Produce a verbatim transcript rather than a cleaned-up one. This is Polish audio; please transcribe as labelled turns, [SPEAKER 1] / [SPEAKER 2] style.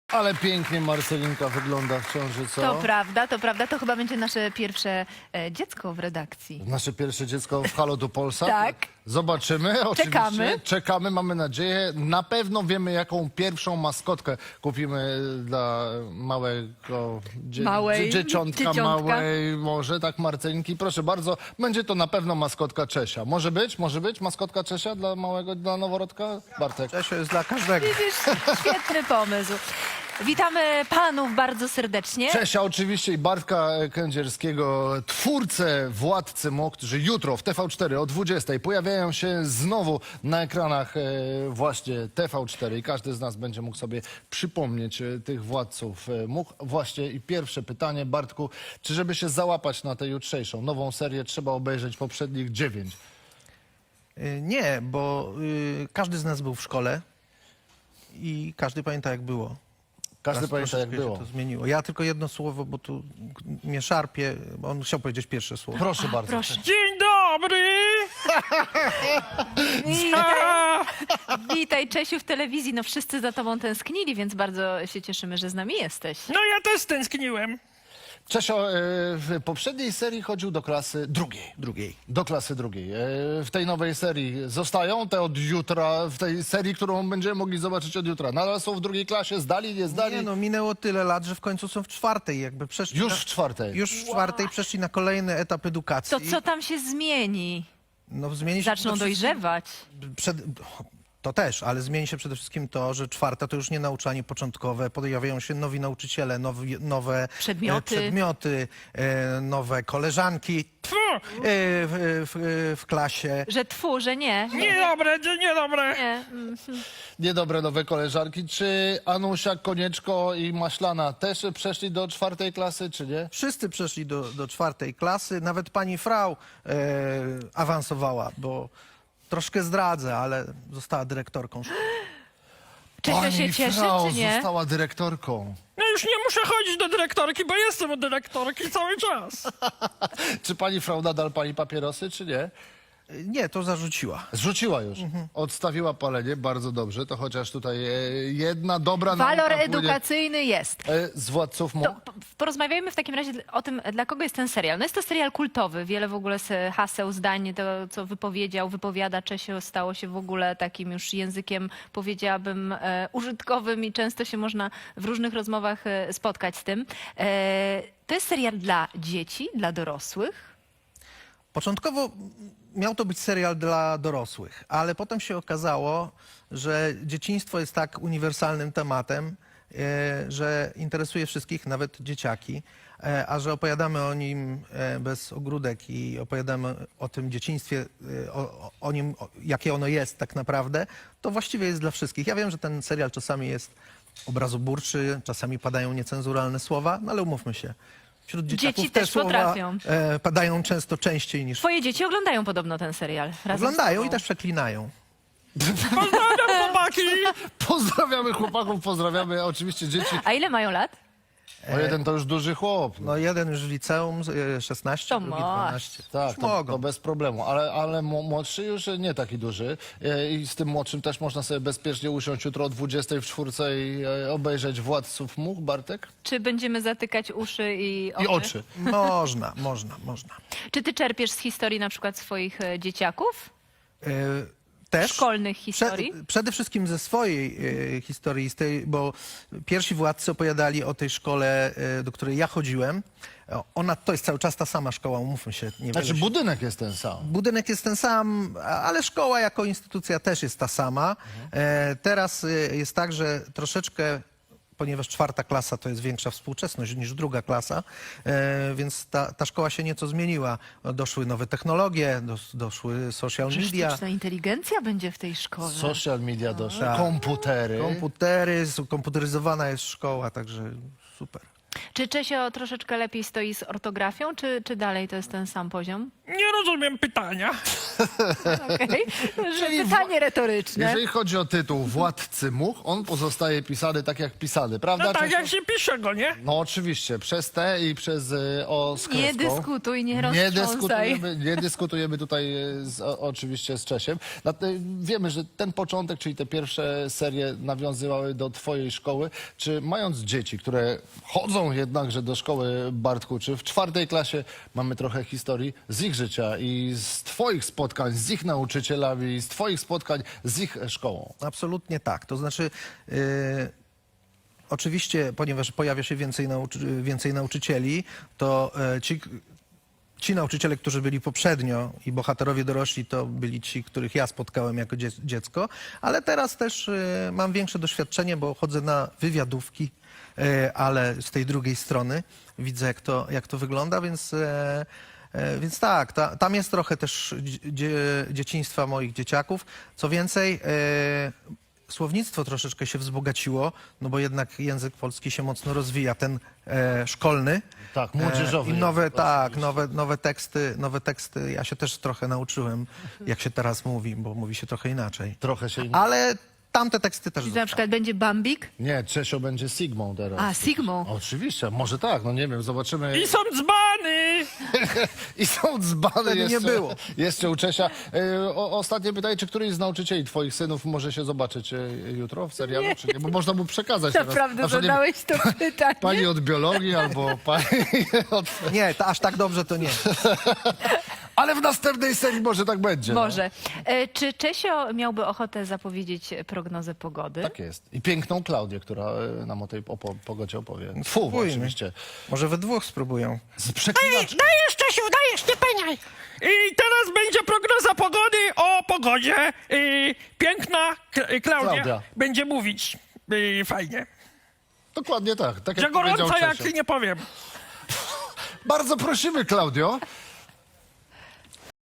[SPEAKER 1] Ale pięknie Marcelinka wygląda w ciąży, co?
[SPEAKER 2] To prawda, to prawda. To chyba będzie nasze pierwsze e, dziecko w redakcji.
[SPEAKER 1] Nasze pierwsze dziecko w Halo do Polsa.
[SPEAKER 2] Tak.
[SPEAKER 1] Zobaczymy, oczywiście.
[SPEAKER 2] Czekamy.
[SPEAKER 1] Czekamy, mamy nadzieję. Na pewno wiemy, jaką pierwszą maskotkę kupimy dla małego dzie
[SPEAKER 2] Małej
[SPEAKER 1] dzie dzieciątka,
[SPEAKER 2] dzieciątka.
[SPEAKER 1] małej może, tak Marcelinki. Proszę bardzo, będzie to na pewno maskotka Czesia. Może być? Może być maskotka Czesia dla małego, dla noworodka? Bartek.
[SPEAKER 3] Czesio jest dla każdego.
[SPEAKER 2] Widzisz, świetny pomysł. Witamy panów bardzo serdecznie.
[SPEAKER 1] Czesia oczywiście i Bartka Kędzierskiego, twórcę Władcy Much, którzy jutro w T V cztery o dwudziestej pojawiają się znowu na ekranach e, właśnie T V cztery i każdy z nas będzie mógł sobie przypomnieć e, tych Władców e, Much. Właśnie i pierwsze pytanie, Bartku, czy żeby się załapać na tę jutrzejszą nową serię trzeba obejrzeć poprzednich dziewięć?
[SPEAKER 3] Y, Nie, bo y, każdy z nas był w szkole i każdy pamięta, jak było.
[SPEAKER 1] Każdy
[SPEAKER 3] Teraz
[SPEAKER 1] pamięta, jak
[SPEAKER 3] troszeczkę
[SPEAKER 1] było.
[SPEAKER 3] się to zmieniło. Ja tylko jedno słowo, bo tu mnie szarpie, bo on chciał powiedzieć pierwsze słowo.
[SPEAKER 1] Proszę bardzo.
[SPEAKER 2] Proszę.
[SPEAKER 4] Dzień dobry!
[SPEAKER 2] Witaj, witaj, Czesiu, w telewizji. No wszyscy za tobą tęsknili, więc bardzo się cieszymy, że z nami jesteś.
[SPEAKER 4] No ja też tęskniłem.
[SPEAKER 1] Czesio e, w poprzedniej serii chodził do klasy drugiej.
[SPEAKER 3] Drugiej.
[SPEAKER 1] Do klasy drugiej. E, W tej nowej serii zostają te od jutra, w tej serii, którą będziemy mogli zobaczyć od jutra. Nadal są w drugiej klasie, zdali, nie zdali.
[SPEAKER 3] Nie no, minęło tyle lat, że w końcu są w czwartej, jakby przeszli
[SPEAKER 1] Już
[SPEAKER 3] na,
[SPEAKER 1] w czwartej.
[SPEAKER 3] już w czwartej przeszli na kolejny etap edukacji.
[SPEAKER 2] To co tam się zmieni?
[SPEAKER 3] No, zmieni się
[SPEAKER 2] Zaczną
[SPEAKER 3] przede wszystkim-
[SPEAKER 2] dojrzewać.
[SPEAKER 3] Przed, to też, ale zmieni się przede wszystkim to, że czwarta to już nie nauczanie początkowe, pojawiają się nowi nauczyciele, nowi, nowe
[SPEAKER 2] Przedmioty.
[SPEAKER 3] e, przedmioty e, nowe koleżanki
[SPEAKER 4] Tfu,
[SPEAKER 3] e, w, w, w klasie.
[SPEAKER 2] Że tfu, że nie.
[SPEAKER 4] niedobre, dzie- niedobre.
[SPEAKER 2] Nie. mm.
[SPEAKER 1] Niedobre nowe koleżanki. Czy Anusia, Konieczko i Maślana też przeszli do czwartej klasy, czy nie?
[SPEAKER 3] Wszyscy przeszli do, do czwartej klasy, nawet pani Frau e, awansowała, bo troszkę zdradzę, ale została dyrektorką szkoły.
[SPEAKER 2] Czesio się cieszy,
[SPEAKER 1] Frau
[SPEAKER 2] czy nie?
[SPEAKER 1] została dyrektorką.
[SPEAKER 4] No już nie muszę chodzić do dyrektorki, bo jestem u dyrektorki cały czas.
[SPEAKER 1] Czy pani Frau nadal pali papierosy, czy nie?
[SPEAKER 3] Nie, to zarzuciła.
[SPEAKER 1] Zrzuciła już. Odstawiła palenie, bardzo dobrze. To chociaż tutaj e, jedna dobra
[SPEAKER 2] Walor
[SPEAKER 1] nauka płynie,
[SPEAKER 2] edukacyjny jest.
[SPEAKER 1] e, z Władców Much.
[SPEAKER 2] To p- porozmawiajmy w takim razie o tym, dla kogo jest ten serial. No jest to serial kultowy. Wiele w ogóle z haseł, zdań, to co wypowiedział, wypowiada Czesio, stało się w ogóle takim już językiem, powiedziałabym, e, użytkowym i często się można w różnych rozmowach e, spotkać z tym. E, to jest serial dla dzieci, dla dorosłych.
[SPEAKER 3] Początkowo miał to być serial dla dorosłych, ale potem się okazało, że dzieciństwo jest tak uniwersalnym tematem, e, że interesuje wszystkich, nawet dzieciaki, e, a że opowiadamy o nim e, bez ogródek i opowiadamy o tym dzieciństwie, e, o, o- o nim, o, jakie ono jest tak naprawdę, to właściwie jest dla wszystkich. Ja wiem, że ten serial czasami jest obrazoburczy, czasami padają niecenzuralne słowa, no ale umówmy się. Wśród dzieciaków
[SPEAKER 2] Dzieci
[SPEAKER 3] te
[SPEAKER 2] też
[SPEAKER 3] słowa
[SPEAKER 2] potrafią.
[SPEAKER 3] e, padają często częściej niż
[SPEAKER 2] Twoje dzieci oglądają podobno ten serial. Razem z
[SPEAKER 3] oglądają
[SPEAKER 2] tobą.
[SPEAKER 3] i też przeklinają.
[SPEAKER 4] Pozdrawiam, chłopaki.
[SPEAKER 1] Pozdrawiamy chłopaków, pozdrawiamy oczywiście dzieci.
[SPEAKER 2] A ile mają lat?
[SPEAKER 1] O jeden to już duży chłop. No.
[SPEAKER 3] No jeden już w liceum, e, szesnaście,
[SPEAKER 2] To
[SPEAKER 3] drugi
[SPEAKER 2] masz.
[SPEAKER 3] dwanaście.
[SPEAKER 1] Tak,
[SPEAKER 3] Już
[SPEAKER 1] to,
[SPEAKER 3] mogą.
[SPEAKER 1] to bez problemu, ale, ale mo- młodszy już nie taki duży E, i z tym młodszym też można sobie bezpiecznie usiąść jutro o dwudziestej w czwórce i e, obejrzeć Władców Much, Bartek?
[SPEAKER 2] Czy będziemy zatykać uszy i oczy?
[SPEAKER 1] I oczy.
[SPEAKER 3] Można, można, można.
[SPEAKER 2] Czy ty czerpiesz z historii na przykład swoich e, dzieciaków?
[SPEAKER 3] E, też
[SPEAKER 2] Szkolnych
[SPEAKER 3] Prze-
[SPEAKER 2] historii?
[SPEAKER 3] przede wszystkim ze swojej e, historii, z tej, bo pierwsi władcy opowiadali o tej szkole, e, do której ja chodziłem. O, Ona to jest cały czas ta sama szkoła, umówmy się. Niewiele
[SPEAKER 1] Znaczy
[SPEAKER 3] się
[SPEAKER 1] budynek jest ten sam.
[SPEAKER 3] Budynek jest ten sam, a- ale szkoła jako instytucja też jest ta sama. E, teraz e, jest tak, że troszeczkę, ponieważ czwarta klasa to jest większa współczesność niż druga klasa, e, więc ta, ta szkoła się nieco zmieniła. Doszły nowe technologie, dos, doszły social
[SPEAKER 2] Że
[SPEAKER 3] media,
[SPEAKER 2] sztuczna inteligencja będzie w tej szkole.
[SPEAKER 1] Social media doszły,
[SPEAKER 3] Tak.
[SPEAKER 1] komputery.
[SPEAKER 3] komputery, s- komputeryzowana jest szkoła, także super.
[SPEAKER 2] Czy Czesio troszeczkę lepiej stoi z ortografią, czy, czy dalej to jest ten sam poziom?
[SPEAKER 4] Nie rozumiem pytania.
[SPEAKER 2] Okej. Że
[SPEAKER 1] Czyli
[SPEAKER 2] Pytanie retoryczne.
[SPEAKER 1] Jeżeli chodzi o tytuł Władcy Much, on pozostaje pisany tak jak pisany, prawda?
[SPEAKER 4] No tak
[SPEAKER 1] Czesio?
[SPEAKER 4] jak się pisze go, nie?
[SPEAKER 1] No oczywiście, przez T i przez y, O z
[SPEAKER 2] Nie
[SPEAKER 1] kreską.
[SPEAKER 2] dyskutuj, nie
[SPEAKER 1] Nie
[SPEAKER 2] roztrząsaj.
[SPEAKER 1] dyskutujemy, nie dyskutujemy tutaj y, z, o, oczywiście z Czesiem. Nat- y, Wiemy, że ten początek, czyli te pierwsze serie nawiązywały do twojej szkoły. Czy mając dzieci, które chodzą jednakże do szkoły, Bartku, czy w czwartej klasie mamy trochę historii z ich życia i z twoich spotkań z ich nauczycielami, z twoich spotkań z ich szkołą?
[SPEAKER 3] Absolutnie tak. To znaczy, yy, oczywiście, ponieważ pojawia się więcej, nauczy- więcej nauczycieli, to e, ci, ci nauczyciele, którzy byli poprzednio i bohaterowie dorośli, to byli ci, których ja spotkałem jako dzie- dziecko, ale teraz też e, mam większe doświadczenie, bo chodzę na wywiadówki, e, ale z tej drugiej strony widzę, jak to, jak to wygląda, więc... E, E, Więc tak, ta, tam jest trochę też dzie, dzieciństwa moich dzieciaków. Co więcej, e, słownictwo troszeczkę się wzbogaciło, no bo jednak język polski się mocno rozwija, ten e, szkolny.
[SPEAKER 1] Tak, młodzieżowy
[SPEAKER 3] E, I nowe,
[SPEAKER 1] język,
[SPEAKER 3] tak, nowe, nowe teksty, nowe teksty. Ja się też trochę nauczyłem, jak się teraz mówi, bo mówi się trochę inaczej.
[SPEAKER 1] Trochę się...
[SPEAKER 3] Ale tamte teksty też
[SPEAKER 2] Czyli na
[SPEAKER 3] zostały.
[SPEAKER 2] przykład będzie Bambik,
[SPEAKER 1] Nie, Czesio będzie Sigmą teraz.
[SPEAKER 2] a Sigmą.
[SPEAKER 1] Oczywiście, może tak, no nie wiem, zobaczymy.
[SPEAKER 4] I są dzbany!
[SPEAKER 1] I są dzbany
[SPEAKER 3] Wtedy nie
[SPEAKER 1] jeszcze,
[SPEAKER 3] było.
[SPEAKER 1] jeszcze u Czesia. E, O, ostatnie pytanie, czy któryś z nauczycieli twoich synów może się zobaczyć e, jutro w serialu, czy nie? Bo można mu przekazać teraz.
[SPEAKER 2] Naprawdę
[SPEAKER 1] Na przykład, nie wiem,
[SPEAKER 2] zadałeś to pytanie.
[SPEAKER 1] Pani od biologii albo pani od...
[SPEAKER 3] Nie, to aż tak dobrze to nie.
[SPEAKER 1] Ale w następnej serii może tak będzie. no.
[SPEAKER 2] Może. E, Czy Czesio miałby ochotę zapowiedzieć prognozę pogody?
[SPEAKER 1] Tak jest. I piękną Klaudię, która e, nam o tej opo- pogodzie opowie. Fu,
[SPEAKER 3] Spróbujmy.
[SPEAKER 1] oczywiście.
[SPEAKER 3] Może we dwóch spróbują.
[SPEAKER 1] Z przeklinaczką.
[SPEAKER 4] Dajesz, Czesiu, dajesz, nie peniaj! I teraz będzie prognoza pogody o pogodzie. I piękna Kla- Klaudia,
[SPEAKER 1] Klaudia.
[SPEAKER 4] będzie mówić. I fajnie.
[SPEAKER 1] Dokładnie tak. Tak
[SPEAKER 4] Że
[SPEAKER 1] jak powiedział
[SPEAKER 4] gorąco jak
[SPEAKER 1] Czesio.
[SPEAKER 4] nie powiem.
[SPEAKER 1] Bardzo prosimy, Klaudio.